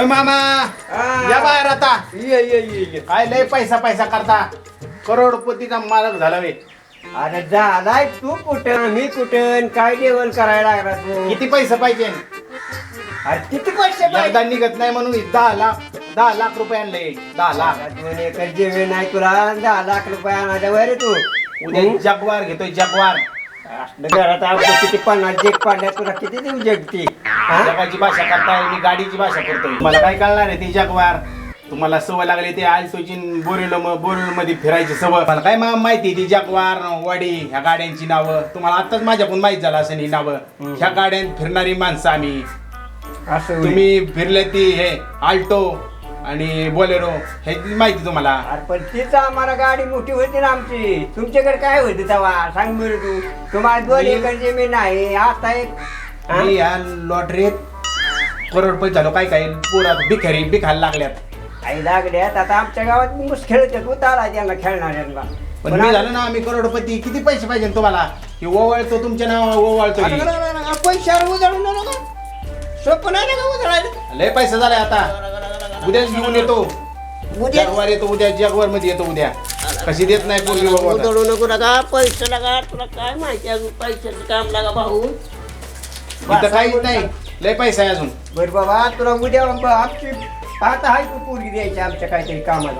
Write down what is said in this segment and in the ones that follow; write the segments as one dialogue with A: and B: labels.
A: मामा या बाहेर आता
B: ये
A: काय लय पैसा पैसा करता करोडपतीचा मालक झाला वे
B: अरे झालाय तू कुठं मी कुठं काय लेवल करायला लागला तू
A: किती पैसे पाहिजे
B: अरे किती पैसे
A: एकदा निघत नाही म्हणून 10 लाख रुपये आणले 10 लाख
B: 2 एकर जमीन नाही तुला 10 लाख रुपये आणायचा वय तू
A: उद्या जगवार घेतोय जगवार
B: घरात आपलं किती 50 जग पाडल्या तुला किती देऊ जगती
A: जगाची भाषा करताय मी गाडीची भाषा करतोय मला काय कळणार आहे ती जगवार तुम्हाला सवय लागली ते आलतोची बोरिवल मध्ये फिरायची सवय मला काय माहिती ती जगवार वाडी ह्या गाड्यांची नावं तुम्हाला आताच माझ्याकडून माहित झालं असं ही नावं ह्या गाड्यात फिरणारी माणसं आम्ही
B: असं
A: तुम्ही फिरले ती हे आल्टो आणि बोलेरो हे माहिती तुम्हाला
B: अरे पण तीच आम्हाला गाडी मोठी होती ना आमची तुमच्याकडे काय होती तेव्हा सांग बरं तू तुम्हाला 2 एकर जमीन आहे आता एक
A: मी या लॉटरीत करोडपती झालो काय काय पोरात बिखायला लागल्यात
B: आई लागल्यात आता आमच्या गावात मुस खेळतात उतारा त्यांना खेळणाऱ्यांना
A: पण मी झालो ना आम्ही करोडपती किती पैसे पाहिजे तुम्हाला की ओवाळतो तुमच्या नाव ओवाळतो
B: पैशावर उजळून नका सोपं नाही का उजळायला
A: लय पैसा झालाय आता उद्याच घेऊन येतो
B: उद्या
A: जगवार येतो उद्या जगवार मध्ये येतो उद्या कशी देत नाही पोरगी बाबा
B: उजळू नको नका पैसे लागा तुला काय माहिती अजून पैशाचं काम लागा भाऊ
A: इथं काहीच नाही लय पैसा आहे अजून
B: बर बाबा तुला उद्या आमची आता हाय तू पोरगी द्यायची आमच्या काहीतरी कामाला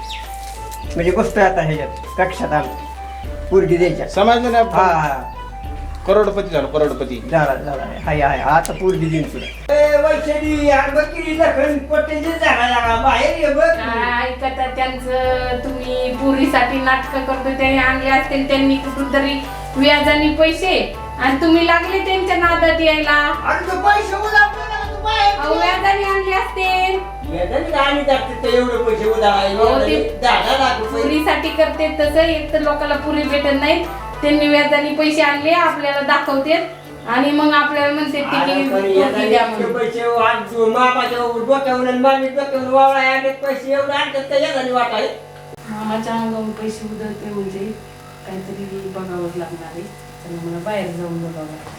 B: म्हणजे गोष्ट आता ह्याच्यात कक्षात आमची पोरगी द्यायच्या
A: समजलं ना
B: हा हा
A: करोडपती झालो करोडपती
B: झाला हाय हाय आता पोरगी देईन तुला ए वैशाली यार बकरी लखन पटेजी झाला लागा बाहेर ये बघ
C: ऐकता त्यांचं तुम्ही पुरीसाठी नाटक करतो त्यांनी आणले असतील त्यांनी कुठून तरी व्याजाने पैसे आणि तुम्ही लागले त्यांच्या नादात यायला
B: अरे तू पैसे उधारले ना तू बाहेर
C: अहो, व्याजाने आणले असतील
B: वेदन गाणी जाते ते एवढे पैसे
C: अहो,
B: उधारायला
C: ते
B: 10 लाख रुपये
C: पुरीसाठी करते तसं एक तर लोकांना पुरी भेटत नाही त्यांनी व्याजाने पैसे आणले आपल्याला दाखवते आणि मग आपल्याला म्हणते की पोरगी द्या म्हणून.
B: पैसे आज मामाच्या डोक्यावर आणि मामी डोक्यावर वावळा आले पैसे एवढे आणतात त्या याला वाटाय
C: मामाच्या अंगावर पैसे उधळते म्हणजे काहीतरी बघावंच लागणार आहे तर मला बाहेर जाऊन बघावं लागतं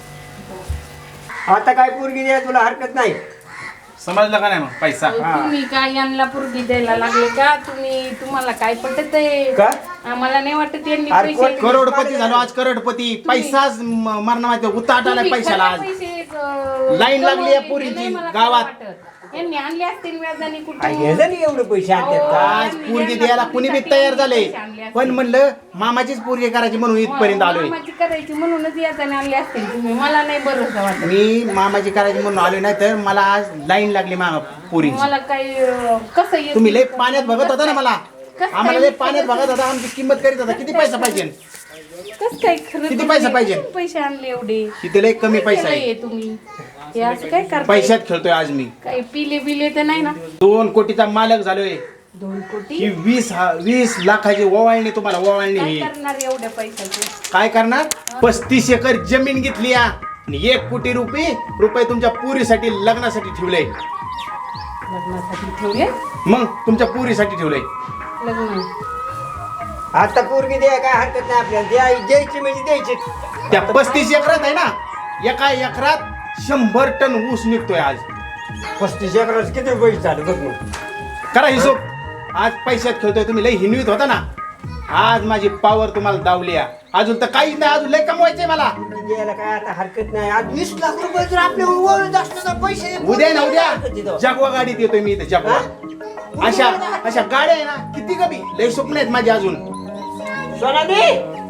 B: आता काय पोरगी द्या तुला हरकत नाही
A: समजलं का नाही मग पैसा
C: तुम्ही काय यांना पुरगी द्यायला लागले का तुम्हाला काय पटत आहे
B: का
C: आम्हाला नाही वाटत यांनी
B: अरे
C: पैसे
A: करोडपती झालो आज करोडपती पैसाच मरणा माहिती उताट आलाय
C: तुम्ही
A: पैशाला आज
C: खरं पैसे,
A: लाईन लागली आहे
C: कमवले,
A: पोरींची
C: नाही मला
A: गावात.
C: काय वाटत. यांनी आणले असतील व्याजाने
B: काय
C: कुठे
B: घ्यायचं नाही एवढे पैसे आणतात का
A: आज पोरगी द्यायला कुणी बी तयार झाले पण म्हणलं मामाचीच पोरगी करायची म्हणून इथपर्यंत आलोय
C: मामाची करायची म्हणूनच व्याजाने आणले असतील तुम्ही मला नाही भरोसा वाटत
A: मी मामाची करायची म्हणून आलोय नाही तर मला आज लाईन लागली मामा पोरींची
C: मला काही कसं येत
A: तुम्ही लय पाण्यात बघत होता ना मला
C: कसं
A: आम्हाला
C: काय
A: लय पाण्यात बघत होता आमची किंमत करीत होता किती पैसा पाहिजे
C: कसं काय खरं
A: किती
C: तुम्ही
A: पैसा पाहिजे?
C: किती पैसे आणले एवढे
A: तिथे लय कमी पैसा
C: केलंय
A: आहे
C: तुम्ही हे असं काय करताय
A: पैशात खेळतोय आज मी
C: काही पिले बिले तर नाही ना
A: 2 कोटीचा मालक झालोय
C: 2 कोटी
A: ही 20 लाखाची ओवाळणी तुम्हाला ओवाळणी
C: काय
A: ही
C: करणार एवढ्या पैशाचे
A: काय करणार 35 एकर जमीन घेतली आणि 1 कोटी रुपये तुमच्या पुरीसाठी लग्नासाठी ठेवले
C: लग्नासाठी ठेवले
A: मग तुमच्या पुरीसाठी ठेवलंय
C: लग्न
B: आता पोरगी द्या काय हरकत नाही आपल्याला द्यायची म्हणजे द्यायची
A: त्या 35 एकरात आहे ना एका एकरात 100 टन ऊस निघतोय आज
B: 35 एकराचं किती पैसे झाले बघ मग
A: करा हिशोब आज पैशात खेळतोय तुम्ही लय हिनवीत होता ना आज माझी पावर तुम्हाला दावली आहे. अजून तर काहीच नाही अजून लय कमवायचंय मला
B: द्यायला काय आता हरकत नाही आज 20 लाख रुपये जर आपले ओळख असतं तर पैसे
A: उद्या ना उद्या जगवा गाडीत येतोय मी इथे जगवा अशा गाड्या आहे ना किती कमी लय स्वप्न आहेत माझी अजून
B: सोनाली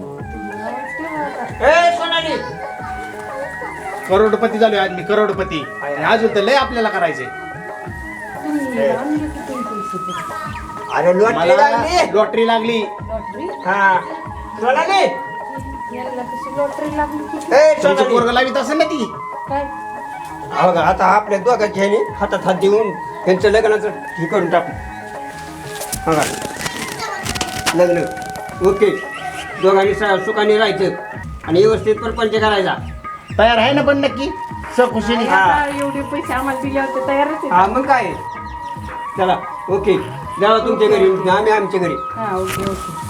B: ए सोनाली
A: करोडपती झालोय आज मी करोडपती आणि अजून तर लय आपल्याला करायचंय
B: अरे लॉटरी
A: मला
B: लागली
A: लॉटरी लागली
C: लॉटरी
B: हा सोनाली
C: यांना कशी लॉटरी लागली की
B: ए
A: तुमचं
B: सोनाली
A: पोरग लावित असेल ना ती
C: काय
B: हो का आता आपल्या दोघांच्या ह्याने हातात हात देऊन त्यांचं लग्नाचं हे करून टाकू हा लग्न ओके दोघांनी सुखाने राहायचं आणि व्यवस्थित परपंच करायचा
A: तयार आहे ना पण नक्की सखुशीने
C: आता एवढे पैसे आम्हाला दिले होते तयारच आहे
B: हा मग काय चला ओके जावा तुमच्या घरी आम्ही आमच्या घरी
C: हा ओके ओके